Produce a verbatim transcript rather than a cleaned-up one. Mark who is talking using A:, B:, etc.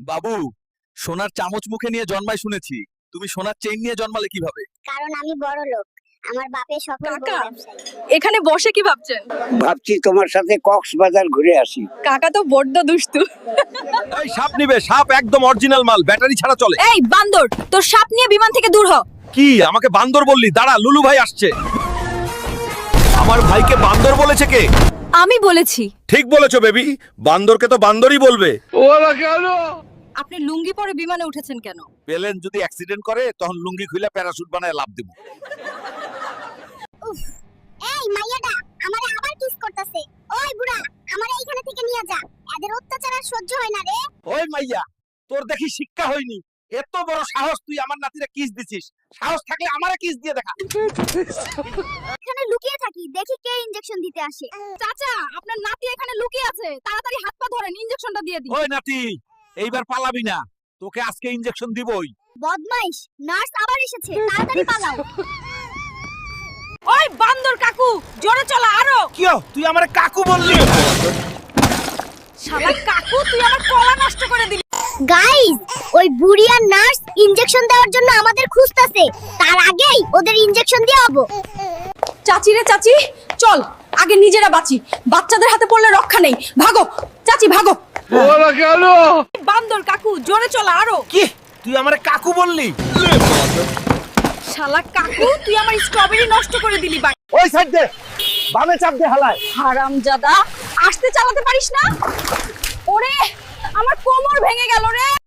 A: বাবু, সোনার চামচ মুখে নিয়ে জন্মায় শুনেছি, তুমি সোনার চেইন নিয়ে জন্মালে কিভাবে?
B: কারণ আমি বড় লোক, আমার বাপের সফল বড়
C: কাকা।
B: ব্যবসায়ী।
C: এখানে বসে কি ভাবছেন?
D: ভাবছি তোমার সাথে কক্সবাজার ঘুরে আসি।
C: কাকা তো বড্ড দুষ্টু।
A: এই সাপ নিবে, সাপ একদম অরিজিনাল মাল, ব্যাটারি ছাড়া চলে।
C: এই বান্দর, তোর সাপ নিয়ে বিমান থেকে দূর হ।
A: কি আমাকে বান্দর বললি? দাঁড়া, লুলু ভাই আসছে। আমার ভাইকে বান্দর বলেছে কে?
C: আমি বলেছি।
A: ঠিক বলেছো বেবি, বান্দরকে তো বান্দরই বলবে।
C: আপনি লুঙ্গি পরে বিমানে উঠেছেন কেন?
A: প্লেন যদি অ্যাক্সিডেন্ট করে তখন লুঙ্গি খুলে প্যারাশুট বানায় লাভ দেব।
B: উফ, এই মাইয়াটা আমারে আবার কিস করতেছে। ওই বুড়া, আমারে এইখানে থেকে নিয়ে যা, এদের অত্যাচার আর সহ্য হয় না রে।
A: ওই মাইয়া, তোর দেখি শিক্ষা হয়নি, এত বড় সাহস তুই আমার নাতিরে কিস দিছিস? সাহস থাকলে আমারে কিস দিয়ে দেখা।
B: এখানে লুকিয়ে থাকি, দেখি কে ইনজেকশন দিতে আসে।
C: চাচা, আপনার নাতি এখানে লুকিয়ে আছে, তাড়াতাড়ি হাত পা ধরেন, ইনজেকশনটা দিয়ে দিন।
A: ওই নাতি, এইবার পালাবি না, তোকে আজকে ইনজেকশন দিবই।
B: বদমাইশ, নার্স আবার এসেছে, তাড়াতাড়ি পালাও।
C: ওই বান্দর কাকু, জোরে চলা আরো।
A: কি তুই আমারে কাকু বললি?
C: শালা কাকু, তুই আমার কলা নষ্ট করে দিলি।
B: গাইস, ওই বুড়ি আর নার্স ইনজেকশন দেওয়ার জন্য আমাদের খুঁজতাছে, তার আগেই ওদের ইনজেকশন দিয়ে হবো।
C: চাচি রে চাচি, চল আগে নিজেরা বাঁচি, বাচ্চাদের হাতে পড়লে রক্ষা নেই। ভাগো চাচি, ভাগো।
A: ওরা কেন?
C: বান্দর কাকু, জোরে চলা আরো।
A: কি তুই আমারে কাকু বললি?
C: শালা কাকু, তুই আমার স্ট্রবেরি নষ্ট করে দিলি। ভাই
A: ওই সাইড দে, বামে চাপ দে হালায়।
C: হারামজাদা, আসতে চালাতে পারিস না? ওরে, আমার কোমর ভেঙে গেল রে।